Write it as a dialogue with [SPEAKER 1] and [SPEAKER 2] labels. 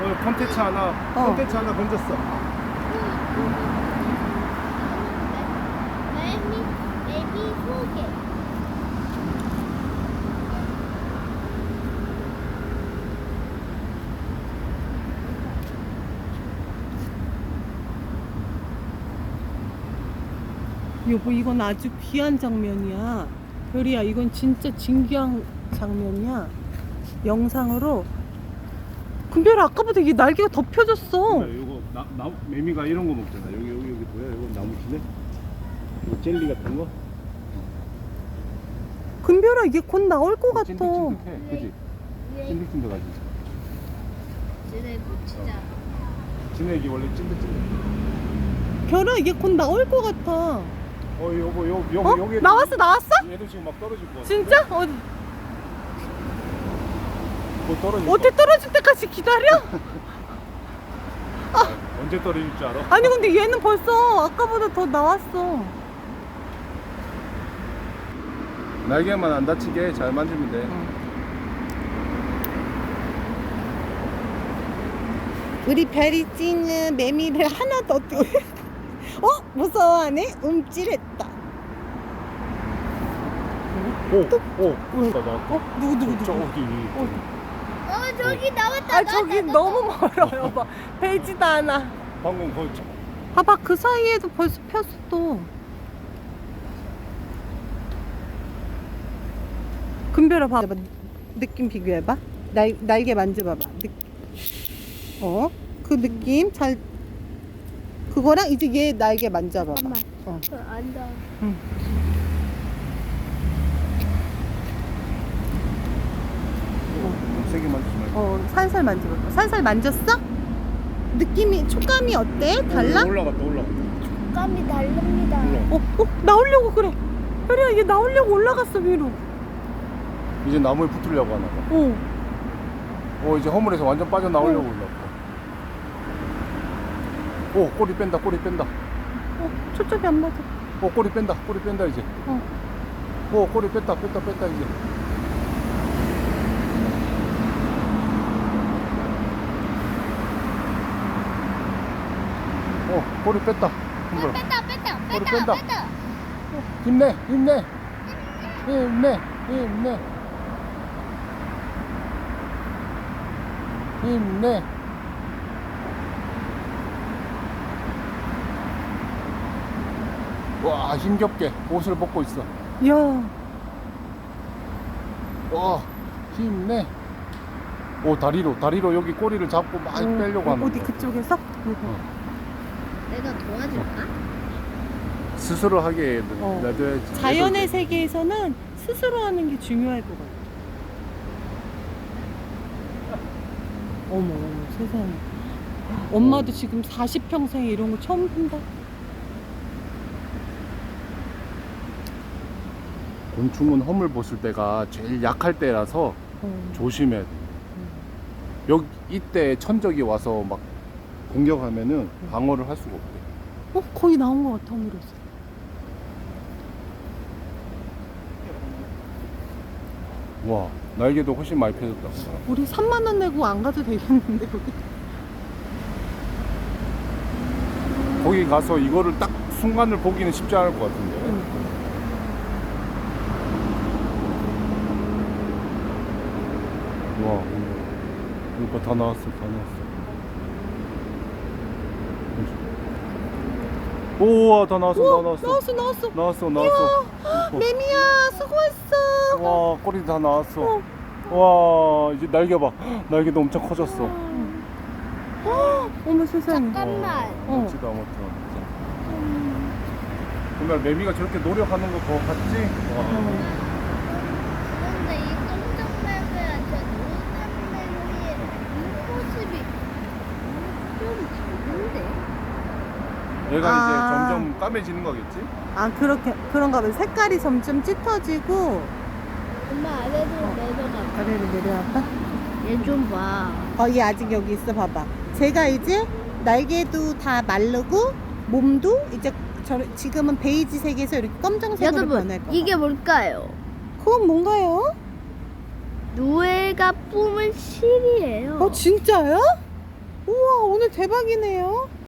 [SPEAKER 1] 콘텐츠 하나 건졌어.
[SPEAKER 2] 매미 소개.
[SPEAKER 3] 여보, 이건 아주 귀한 장면이야. 별이야, 이건 진짜 진귀한 장면이야. 영상으로. 금별아, 아까보다 이게 날개가 더 펴졌어.
[SPEAKER 1] 이거 매미가 이런 거 먹잖아. 여기 뭐야? 이거 나무키네? 이거 젤리 같은 거?
[SPEAKER 3] 금별아, 이게 곧 나올 것 같아.
[SPEAKER 1] 찐득찐득해, 그지? 찐득찐득하지.
[SPEAKER 2] 쟤네 진짜.
[SPEAKER 1] 진액이 원래 찐득찐득.
[SPEAKER 3] 별아, 이게 곧 나올 것 같아.
[SPEAKER 1] 여보,
[SPEAKER 3] 어?
[SPEAKER 1] 여기
[SPEAKER 3] 나왔어?
[SPEAKER 1] 얘도 지금 막 떨어질 거 같아.
[SPEAKER 3] 진짜? 어디?
[SPEAKER 1] 뭐 떨어질 거
[SPEAKER 3] 어디 떨어질 때까지 기다려?
[SPEAKER 1] 언제 떨어질 줄 알아?
[SPEAKER 3] 아니, 근데 얘는 벌써 아까보다 더 나왔어.
[SPEAKER 1] 날개만 안 다치게 잘 만지면 돼.
[SPEAKER 3] 우리 별이 찌는 매미를 하나도 어떻게 무서워하네? 움찔했다.
[SPEAKER 1] 나왔다.
[SPEAKER 3] 누구?
[SPEAKER 1] 저기.
[SPEAKER 2] 저기 나왔다.
[SPEAKER 3] 아, 저기 너무 멀어요. 봐. 배지도 않아.
[SPEAKER 1] 방금 거기
[SPEAKER 3] 봐봐, 그 사이에도 벌써 폈어 또. 금별아, 봐봐. 느낌 비교해봐. 날개 만져봐봐. 그 느낌 잘. 그거랑 이제 얘 날개 만져봐봐.
[SPEAKER 2] 잠깐만. 앉아.
[SPEAKER 3] 응.
[SPEAKER 1] 세게 만지지 말고.
[SPEAKER 3] 살살 만져봐봐. 살살 만졌어? 느낌이, 촉감이 어때? 달라?
[SPEAKER 1] 올라갔다.
[SPEAKER 2] 감이 다릅니다.
[SPEAKER 3] 나오려고 그래. 별이야, 얘 나오려고 올라갔어, 위로.
[SPEAKER 1] 이제 나무에 붙으려고 하나 봐. 이제 허물에서 완전 빠져나오려고 올라가. 꼬리 뺀다.
[SPEAKER 3] 초점이 안 맞아.
[SPEAKER 1] 꼬리 뺀다 이제. 꼬리 뺐다 이제. 꼬리 뺐다. 꼬리 뺀다. 힘내. 와, 힘겹게 옷을 벗고 있어.
[SPEAKER 3] 야,
[SPEAKER 1] 와, 힘내. 다리로 여기 꼬리를 잡고 막 빼려고 하는
[SPEAKER 3] 어디
[SPEAKER 1] 거야.
[SPEAKER 3] 그쪽에서?
[SPEAKER 2] 내가 도와줄까?
[SPEAKER 1] 스스로 하게 놔둬야지.
[SPEAKER 3] 자연의 세계에서는 스스로 하는 게 중요할 것 같아. 어머, 세상에. 엄마도 지금 40평생에 이런 거 처음 본다.
[SPEAKER 1] 곤충은 허물 벗을 때가 제일 약할 때라서 조심해야 돼. 이때 천적이 와서 막 공격하면은 방어를 할 수가 없대.
[SPEAKER 3] 거의 나온 것 같아, 허물에서.
[SPEAKER 1] 와, 날개도 훨씬 많이 펴졌다.
[SPEAKER 3] 우리 3만 원 내고 안 가도 되겠는데, 거기.
[SPEAKER 1] 거기 가서 이거를 딱 순간을 보기는 쉽지 않을 것 같은데. 와, 이거 다 나왔어. 우와, 다 나왔어.
[SPEAKER 3] 나왔어.
[SPEAKER 1] 나왔어.
[SPEAKER 3] 매미야, 수고했어.
[SPEAKER 1] 와, 꼬리 다 나왔어. 와, 이제 날개 봐. 날개도 엄청 커졌어.
[SPEAKER 3] 어머, 세상에.
[SPEAKER 2] 잠깐만.
[SPEAKER 1] 멋지다. 정말 매미가 저렇게 노력하는 거 그거 봤지? 와.
[SPEAKER 2] 근데 이 깜짝 매미야, 저 노란 매미의 이 모습이 좀 다른데?
[SPEAKER 1] 얘가
[SPEAKER 3] 아.
[SPEAKER 1] 이제 점점 까매지는 거겠지?
[SPEAKER 3] 그런가 봐. 색깔이 점점 짙어지고.
[SPEAKER 2] 엄마 아래로 내려가.
[SPEAKER 3] 아래로 내려와봐.
[SPEAKER 2] 얘 좀 봐.
[SPEAKER 3] 얘 아직 여기 있어, 봐봐. 제가 이제 날개도 다 마르고 몸도 이제 지금은 베이지 색에서 이렇게 검정색으로
[SPEAKER 2] 여러분,
[SPEAKER 3] 변할 거야.
[SPEAKER 2] 이게 뭘까요?
[SPEAKER 3] 그건 뭔가요?
[SPEAKER 2] 노예가 뿜은 실이에요.
[SPEAKER 3] 진짜요? 대박이네요.